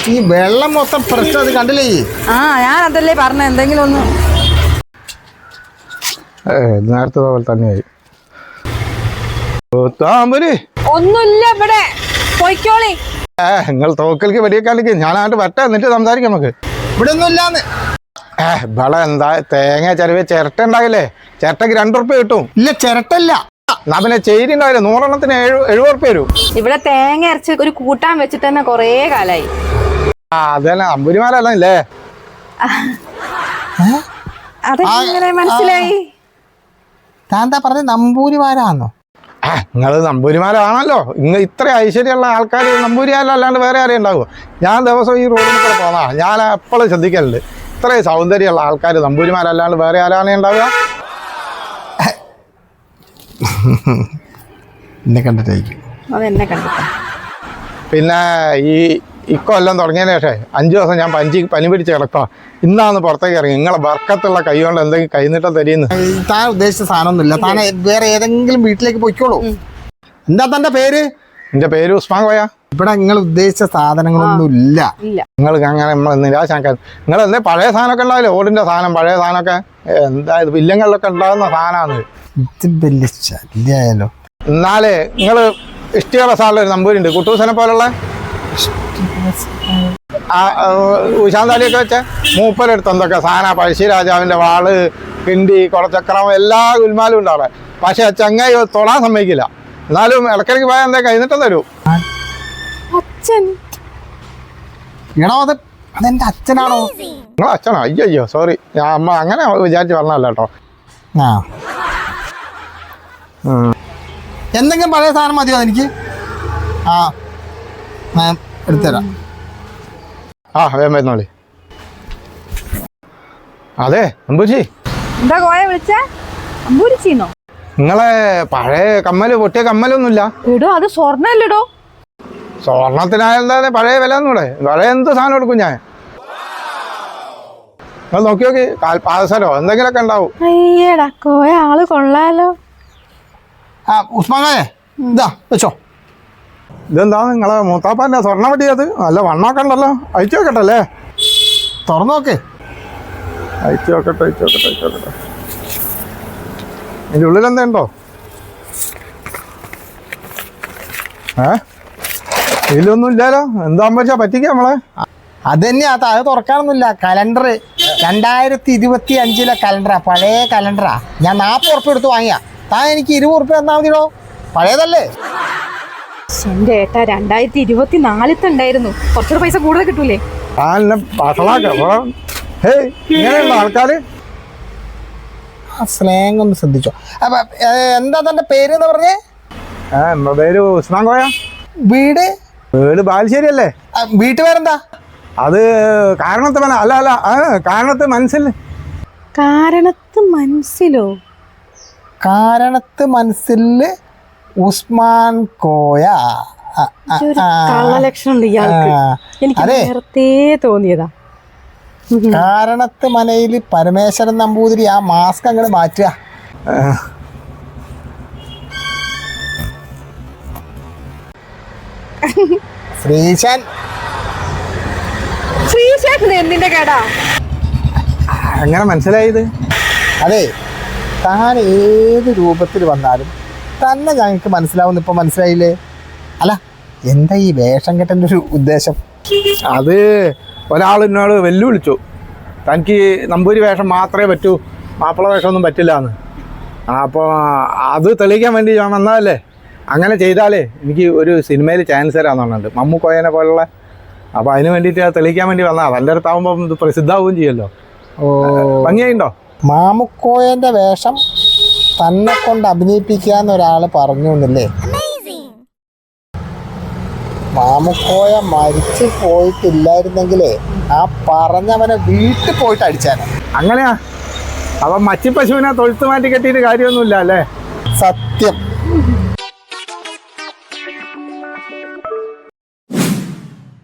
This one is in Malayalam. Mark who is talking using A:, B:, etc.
A: ഈ വെള്ളം മൊത്തം പ്രശ്നം അത് കണ്ടില്ലേ?
B: ഞാൻ അതല്ലേ പറഞ്ഞ എന്തെങ്കിലും ഒന്ന്.
A: നേരത്തെ പോലെ തന്നെയായി.
B: ഒന്നുമില്ല ഇവിടെ, പൊയ്ക്കോളി.
A: നിങ്ങൾ തോക്കൽക്ക് വെടിയേക്കാലേക്ക് ഞാനായിട്ട് വരട്ടെ, എന്നിട്ട് സംസാരിക്കാം നമുക്ക്. ഇവിടെ ഒന്നും ഇല്ലാന്ന്. ഇവിടെ എന്താ തേങ്ങ ചെലവ് ചിരട്ട ഉണ്ടാകില്ലേ? ചിരട്ടക്ക് 2 ഉറുപ്പ്യ കിട്ടും. ഇല്ല ചിരട്ടല്ല, എന്നാ പിന്നെ ചേരി ഉണ്ടാവില്ല, 100 എണ്ണത്തിന് 70 ഉറുപ്പ്യ വരും. ഇവിടെ
B: തേങ്ങ അരച്ച് ഒരു കൂട്ടാൻ വെച്ചിട്ട് തന്നെ കൊറേ കാലായി.
A: അത് തന്നെ അമ്പൂരിമാലല്ലേ?
B: അതെങ്ങനെ മനസ്സിലായി?
A: താന്താ പറഞ്ഞ നമ്പൂരിമാരാന്നോ? നിങ്ങള് നമ്പൂരിമാരാണല്ലോ. ഇന്ന് ഇത്ര ഐശ്വര്യമുള്ള ആൾക്കാർ നമ്പൂരിമാരല്ലാണ്ട് വേറെ ആരെയും ഉണ്ടാവുമോ? ഞാൻ ദിവസം ഈ റോഡിൽ കൂടെ പോന്നാ ഞാൻ എപ്പോഴും ശ്രദ്ധിക്കലുണ്ട്. ഇത്രയും സൗന്ദര്യമുള്ള ആൾക്കാർ നമ്പൂരിമാരല്ലാണ്ട് വേറെ ആരാണേ ഉണ്ടാവുക? എന്നെ കണ്ടിട്ടായിരിക്കും.
B: അതെന്നെ കണ്ടിട്ടാ.
A: പിന്നെ ഇക്കൊല്ലം തുടങ്ങിയതിന് ശേഷം 5 ദിവസം ഞാൻ പനി പിടിച്ച് കിടക്കുക. ഇന്നാന്ന് പുറത്തേക്ക് ഇറങ്ങി. നിങ്ങളെ ബർക്കത്തുള്ള കൈ കൊണ്ട് എന്തെങ്കിലും കൈനീട്ടം തരുന്നു. താൻ ഉദ്ദേശിച്ച സാധനമൊന്നുമില്ല. താൻ വേറെ ഏതെങ്കിലും വീട്ടിലേക്ക് പോയിക്കോളൂ. എന്താ തന്റെ പേര്? എന്റെ പേര് ഉസ്മാൻ കോയ. ഇവിടെ നിങ്ങൾ ഉദ്ദേശിച്ച സാധനങ്ങളൊന്നും ഇല്ല. നിങ്ങൾക്ക് അങ്ങനെ നമ്മൾ നിരാശാക്കാൻ. നിങ്ങൾ എന്തേ പഴയ സാധനമൊക്കെ ഉണ്ടാവില്ലേ? ഓടിന്റെ സാധനം, പഴയ സാധനമൊക്കെ എന്താ ഇത് വില്ലങ്ങളിലൊക്കെ ഉണ്ടാകുന്ന സാധനമാണ്. ഇത് വലിയ ശല്യായാലോ. എന്നാലേ നിങ്ങൾ ഇഷ്ടിയുള്ള സാറിൽ ഒരു നമ്പൂരുണ്ട്, കുട്ടൂസനെ പോലുള്ള ഉശാന്താലിയൊക്കെ വെച്ച മൂപ്പരെടുത്ത് എന്തൊക്കെ സാധന, പഴശ്ശിരാജാവിന്റെ വാള്, കിണ്ടി, കുളച്ചക്രം, എല്ലാ ഗുൽമാലും ഉണ്ട് അവിടെ. പക്ഷെ ചങ്ങായി തൊടാൻ സമ്മതിക്കില്ല. എന്നാലും ഇടയ്ക്കിടയ്ക്ക് പോയാൽ എന്താ കൈനീട്ടം തരൂ. അതെന്റെ അച്ഛനാണോ? നിങ്ങളെ അച്ഛനോ? അയ്യോ സോറി, ഞാൻ അമ്മ അങ്ങനെ വിചാരിച്ച് പറഞ്ഞല്ല കേട്ടോ. എന്തെങ്കിലും പഴയ സാധനം മതിയോ എനിക്ക്? എടുത്തുതരാം. വേഗം വരുന്നോളി. അതെ അമ്പൂച്ചി.
B: എന്താ കോയ വിളിച്ചേ? അമ്പൂരിച്ചിന്നോ?
A: നിങ്ങളെ പഴയ കമ്മല്, പൊട്ടിയ കമ്മലൊന്നുമില്ല?
B: ഇടോ അത് സ്വർണ്ണല്ലടോ.
A: സ്വർണത്തിനായെന്താ പഴയ വില ഒന്നൂടെ? പഴയ എന്ത് സാധനം എടുക്കും ഞാൻ? നിങ്ങൾ നോക്കി നോക്കി, കാൽപാദസരോ എന്തെങ്കിലുമൊക്കെ ഉണ്ടാവും.
B: അയ്യടാ കോയ ആള് കൊള്ളാലോ.
A: ഉസ്മാനെ ഇതാ വെച്ചോ. ഇതെന്താ നിങ്ങളെ മൂത്താപ്പാൻ്റെ സ്വർണ്ണ വടിയത്? നല്ല വണ്ണമൊക്കെ ഉണ്ടല്ലോ. അയച്ചു നോക്കട്ടല്ലേ? തുറന്നു നോക്ക്. അയച്ചു നോക്കട്ടെ. ഇതിൻ്റെ ഉള്ളിൽ എന്താ ഉണ്ടോ? ഇതിലൊന്നും ഇല്ലല്ലോ. എന്താ വെച്ചാൽ പറ്റിക്ക നമ്മളെ. അത് തന്നെയാ, അത് തുറക്കാനൊന്നുമില്ല. കലണ്ടർ 2025 കലണ്ടറാ, പഴയ കലണ്ടറാ. ഞാൻ 40 ഉറുപ്പ്യ എടുത്ത് വാങ്ങിയാ. താൻ എനിക്ക് 20 ഉറുപ്പ്യ തന്നാൽ മതിയോ? പഴയതല്ലേ?
B: എന്റെ ഏട്ടാ 2024 ഉണ്ടായിരുന്നു. കുറച്ചൊരു പൈസ കൂടുതൽ കിട്ടൂലേ?
A: ആൾക്കാര് സ്ലാങ് ഒന്ന് ശ്രദ്ധിച്ചോ. അപ്പൊ എന്താ തന്റെ പേര് എന്ന് പറഞ്ഞേ? എന്റെ പേര് ഉസ്മാൻ കോയ. വീട് ബാലുശ്ശേരി അല്ലേ? വീട്ടുപേരെന്താ? അത് കാരണത്ത് അല്ല കാരണത്ത് മനസ്സിൽ. കാരണത്ത് മനസ്സില് ഉസ്മാൻ കോയ.
B: തോന്നിയതാ.
A: കാരണത്ത് മനയില് പരമേശ്വരൻ നമ്പൂതിരി ആ മാസ്ക് അങ്ങോട്ട് മാറ്റുക.
B: എന്തിന്റെ കേടാ
A: അങ്ങനെ മനസ്സിലായത്? അതെ, താൻ ഏത് രൂപത്തിൽ വന്നാലും തന്നെ ഞങ്ങൾക്ക് മനസ്സിലാവുന്ന ഇപ്പൊ മനസ്സിലായില്ലേ? അല്ല എന്താ ഈ വേഷം കെട്ടൻ്റെ ഒരു ഉദ്ദേശം? അത് ഒരാൾ എന്നോട് വെല്ലുവിളിച്ചു, തനിക്ക് നമ്പൂരി വേഷം മാത്രമേ പറ്റൂ, മാപ്പിള വേഷമൊന്നും പറ്റില്ല എന്ന്. അപ്പോൾ അത് തെളിയിക്കാൻ വേണ്ടി ഞാൻ വന്നതല്ലേ. അങ്ങനെ ചെയ്താലേ എനിക്ക് ഒരു സിനിമയിൽ ചാൻസ് തരാമെന്നുണ്ട്, മമ്മൂക്കോയനെ പോലുള്ള. അപ്പോൾ അതിന് വേണ്ടിയിട്ട് തെളിയിക്കാൻ വേണ്ടി വന്നതാണ്. നല്ല അടുത്താവുമ്പം ഇത് പ്രസിദ്ധമാവുകയും ചെയ്യുമല്ലോ. ഭംഗിയായിണ്ടോ? മാമുക്കോയൻ്റെ വേഷം തന്നെ കൊണ്ട് അഭിനയിപ്പിക്കാന്ന് ഒരാൾ പറഞ്ഞു എന്നല്ലേ? മാമുക്കോയ മരിച്ചു പോയിട്ടില്ലായിരുന്നെങ്കിലേ ആ പറഞ്ഞവനെ വീട്ടിൽ പോയിട്ട് അടിച്ചാനെ. അങ്ങനെയാ? അപ്പം മച്ചി പശുവിനെ തൊഴുത്ത് മാറ്റി കെട്ടിയിട്ട് കാര്യമൊന്നുമില്ല അല്ലേ? സത്യം.